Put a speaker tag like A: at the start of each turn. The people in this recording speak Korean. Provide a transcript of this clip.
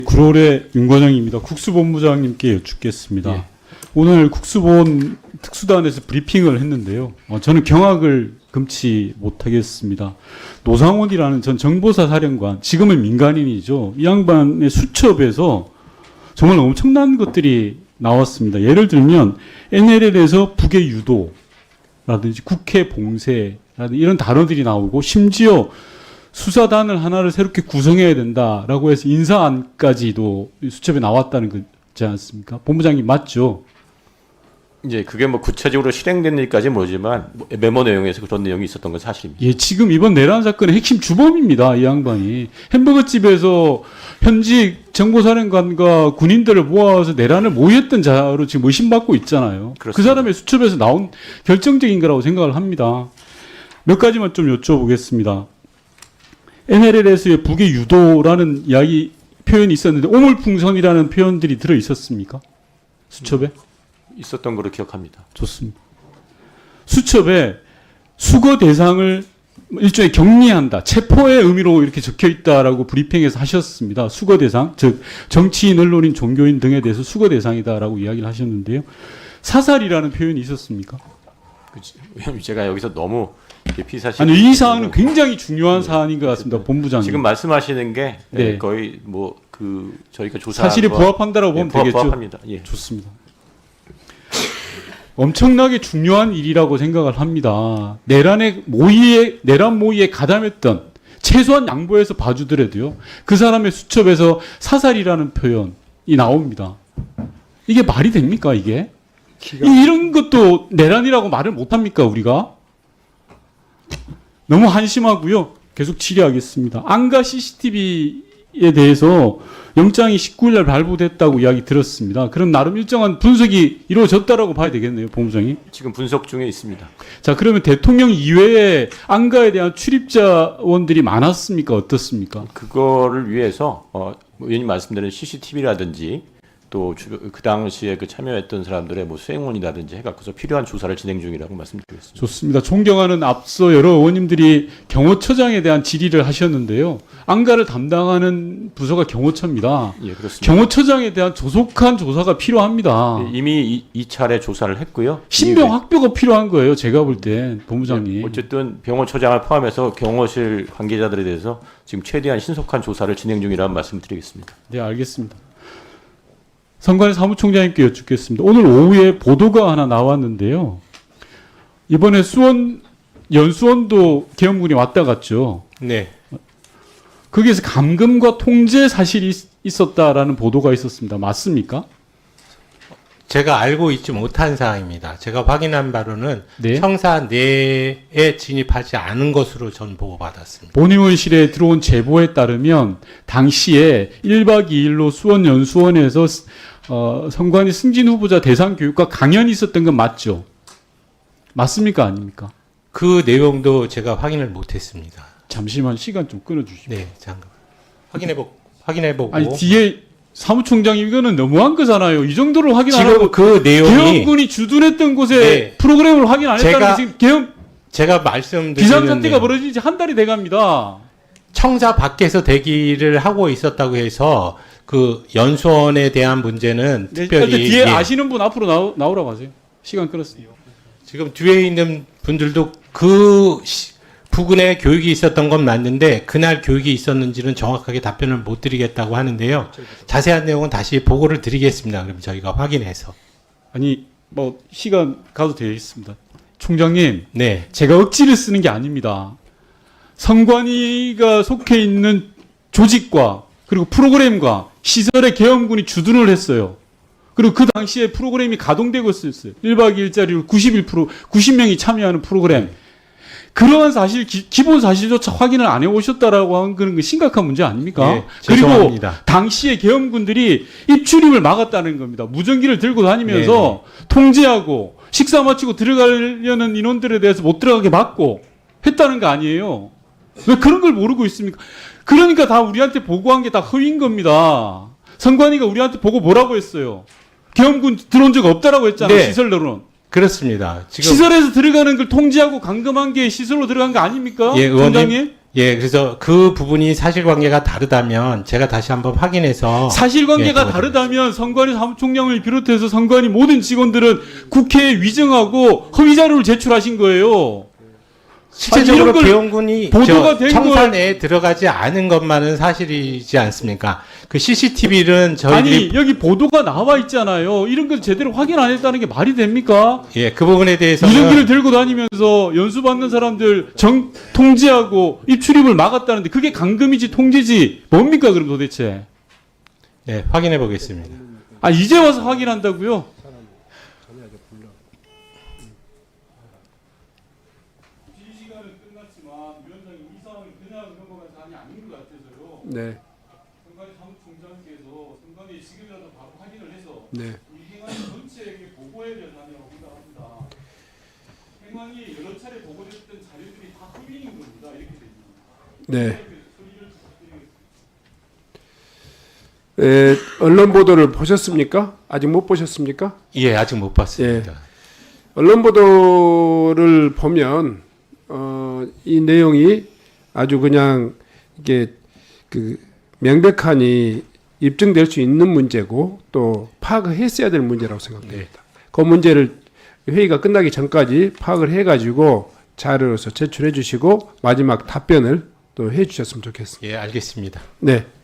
A: 구롤의 윤관영입니다. 국수본부장님께 여쭙겠습니다.
B: 예.
A: 오늘 국수본 특수단에서 브리핑을 했는데요. 저는 경악을 금치 못하겠습니다. 노상원이라는 전 정보사 사령관, 지금은 민간인이죠. 이 양반의 수첩에서 정말 엄청난 것들이 나왔습니다. 예를 들면 NLL에서 북의 유도라든지 국회 봉쇄라든지 이런 단어들이 나오고, 심지어 수사단을 하나를 새롭게 구성해야 된다라고 해서 인사안까지도 수첩에 나왔다는 거지 않습니까? 본부장님 맞죠?
B: 이제 그게 뭐 구체적으로 실행된 일까지는 모르지만 메모 내용에서 그런 내용이 있었던 건 사실입니다.
A: 예, 지금 이번 내란 사건의 핵심 주범입니다. 이 양반이 햄버거 집에서 현직 정보사령관과 군인들을 모아서 내란을 모의했던 자로 지금 의심받고 있잖아요.
B: 그렇습니다.
A: 그 사람의 수첩에서 나온 결정적인 거라고 생각을 합니다. 몇 가지만 좀 여쭤보겠습니다. NLL에서의 북의 유도라는 이야기 표현이 있었는데 오물풍선이라는 표현들이 들어 있었습니까? 수첩에?
B: 있었던 걸로 기억합니다.
A: 좋습니다. 수첩에 수거 대상을 일종의 격리한다, 체포의 의미로 이렇게 적혀 있다라고 브리핑에서 하셨습니다. 수거 대상, 즉 정치인, 언론인, 종교인 등에 대해서 수거 대상이다라고 이야기를 하셨는데요. 사살이라는 표현이 있었습니까?
B: 왜냐하면 제가 여기서 너무 피사실
A: 아니, 이 사안은 굉장히 중요한 사안인 것 같습니다, 본부장님.
B: 지금 말씀하시는 게
A: 네.
B: 거의 뭐 그 저희가 조사
A: 사실에 부합한다라고 보면 되겠죠.
B: 부합합니다. 예.
A: 좋습니다. 엄청나게 중요한 일이라고 생각을 합니다. 내란 모의에 가담했던, 최소한 양보해서 봐주더라도요, 그 사람의 수첩에서 사살이라는 표현이 나옵니다. 이게 말이 됩니까, 이게? 이런 것도 내란이라고 말을 못합니까, 우리가? 너무 한심하고요. 계속 질의하겠습니다. 안가 CCTV에 대해서 영장이 19일 날 발부됐다고 이야기 들었습니다. 그럼 나름 일정한 분석이 이루어졌다라고 봐야 되겠네요, 본부장님.
B: 지금 분석 중에 있습니다.
A: 자, 그러면 대통령 이외에 안가에 대한 출입자원들이 많았습니까? 어떻습니까?
B: 그거를 위해서 의원님 말씀드린 CCTV라든지 또 그 당시에 그 참여했던 사람들의 뭐 수행원이라든지 해갖고서 필요한 조사를 진행 중이라고 말씀드리겠습니다.
A: 좋습니다. 존경하는 앞서 여러 의원님들이 경호처장에 대한 질의를 하셨는데요. 안가를 담당하는 부서가 경호처입니다.
B: 예, 그렇습니다.
A: 경호처장에 대한 조속한 조사가 필요합니다.
B: 예, 이미 이 차례 조사를 했고요.
A: 신병 확보가 필요한 거예요. 제가 볼 땐, 본부장님.
B: 어쨌든 병원처장을 포함해서 경호실 관계자들에 대해서 지금 최대한 신속한 조사를 진행 중이라는 말씀드리겠습니다.
A: 네, 알겠습니다. 선관위 사무총장님께 여쭙겠습니다. 오늘 오후에 보도가 하나 나왔는데요. 이번에 연수원도 계엄군이 왔다 갔죠.
C: 네.
A: 거기에서 감금과 통제 사실이 있었다라는 보도가 있었습니다. 맞습니까?
C: 제가 알고 있지 못한 사항입니다. 제가 확인한 바로는
A: 네.
C: 청사 내에 진입하지 않은 것으로 전 보고받았습니다.
A: 본의원실에 들어온 제보에 따르면 당시에 1박 2일로 수원 연수원에서 선관위 승진 후보자 대상 교육과 강연이 있었던 건 맞죠? 맞습니까? 아닙니까?
C: 그 내용도 제가 확인을 못했습니다.
A: 잠시만 시간 좀 끊어주시죠.
C: 네, 잠깐 확인해보고.
A: 아니, 뒤에 사무총장님 이거는 너무한 거잖아요. 이 정도로 확인 안
C: 지금
A: 하고
C: 그 내용이
A: 계엄군이 주둔했던 곳에
C: 네.
A: 프로그램을 확인 안 했다는 게 지금 계엄
C: 제가 말씀드리는
A: 비상사태가 벌어진 지 한 달이 돼갑니다.
C: 청사 밖에서 대기를 하고 있었다고 해서 그 연수원에 대한 문제는
A: 네,
C: 특별히
A: 뒤에
C: 예.
A: 아시는 분 앞으로 나오라고 하세요. 시간 끊었습니다.
C: 지금 뒤에 있는 분들도 그 부근에 교육이 있었던 건 맞는데 그날 교육이 있었는지는 정확하게 답변을 못 드리겠다고 하는데요. 자세한 내용은 다시 보고를 드리겠습니다. 그럼 저희가 확인해서.
A: 아니, 뭐 시간 가도 되겠습니다. 총장님,
C: 네.
A: 제가 억지를 쓰는 게 아닙니다. 선관위가 속해 있는 조직과 그리고 프로그램과 시설에 계엄군이 주둔을 했어요. 그리고 그 당시에 프로그램이 가동되고 있었어요. 1박 2일짜리로 90명이 참여하는 프로그램. 그러한 사실, 기본 사실조차 확인을 안 해오셨다라고 하는 건 심각한 문제 아닙니까?
C: 예,
A: 그리고
C: 죄송합니다.
A: 당시에 계엄군들이 입출입을 막았다는 겁니다. 무전기를 들고 다니면서 통제하고 식사 마치고 들어가려는 인원들에 대해서 못 들어가게 막고 했다는 거 아니에요? 왜 그런 걸 모르고 있습니까? 그러니까 다 우리한테 보고한 게 다 허위인 겁니다. 선관위가 우리한테 보고 뭐라고 했어요? 계엄군 들어온 적 없다라고 했잖아요.
C: 네.
A: 시설로는.
C: 그렇습니다. 지금
A: 시설에서 들어가는 걸 통제하고 감금한 게 시설로 들어간 거 아닙니까?
C: 예, 의원님.
A: 총장님?
C: 예, 그래서 그 부분이 사실관계가 다르다면 제가 다시 한번 확인해서
A: 사실관계가
C: 예,
A: 다르다면 선관위 사무총장을 비롯해서 선관위 모든 직원들은 국회에 위증하고 허위 자료를 제출하신 거예요.
C: 실제적으로
A: 이런 걸
C: 계엄군이
A: 보도가 된
C: 청산에 들어가지 않은 것만은 사실이지 않습니까? 그 CCTV는 저희들이
A: 아니 여기 보도가 나와 있잖아요. 이런 걸 제대로 확인 안 했다는 게 말이 됩니까?
C: 예, 그 부분에 대해서는
A: 무전기를 들고 다니면서 연수 받는 사람들 통제하고 입출입을 막았다는데 그게 감금이지 통제지 뭡니까 그럼 도대체?
C: 예, 확인해 보겠습니다.
A: 아 이제 와서 확인한다고요? 시간은 끝났지만 위원장님 이 상황이 그냥 넘어간 사안이 아닌 것 같아서요.
D: 네,
A: 선관위 사무총장께서 선관위 지금이라도 바로 확인을 해서
D: 네,
A: 이 행안위 전체에게 보고해야 될 사안이라고 생각합니다. 행안위 여러 차례 보고됐던 자료들이 다 흡인인 겁니다. 이렇게 됩니다.
D: 네.
A: 소리를 부탁드리겠습니다.
D: 언론 보도를 보셨습니까? 아직 못 보셨습니까?
C: 예, 아직 못 봤습니다.
D: 언론 보도를 보면 이 내용이 아주 그냥 이게 그 명백하니 입증될 수 있는 문제고 또 파악을 했어야 될 문제라고 생각됩니다. 그 문제를 회의가 끝나기 전까지 파악을 해가지고 자료로서 제출해 주시고 마지막 답변을 또 해주셨으면 좋겠습니다.
C: 예, 알겠습니다.
D: 네.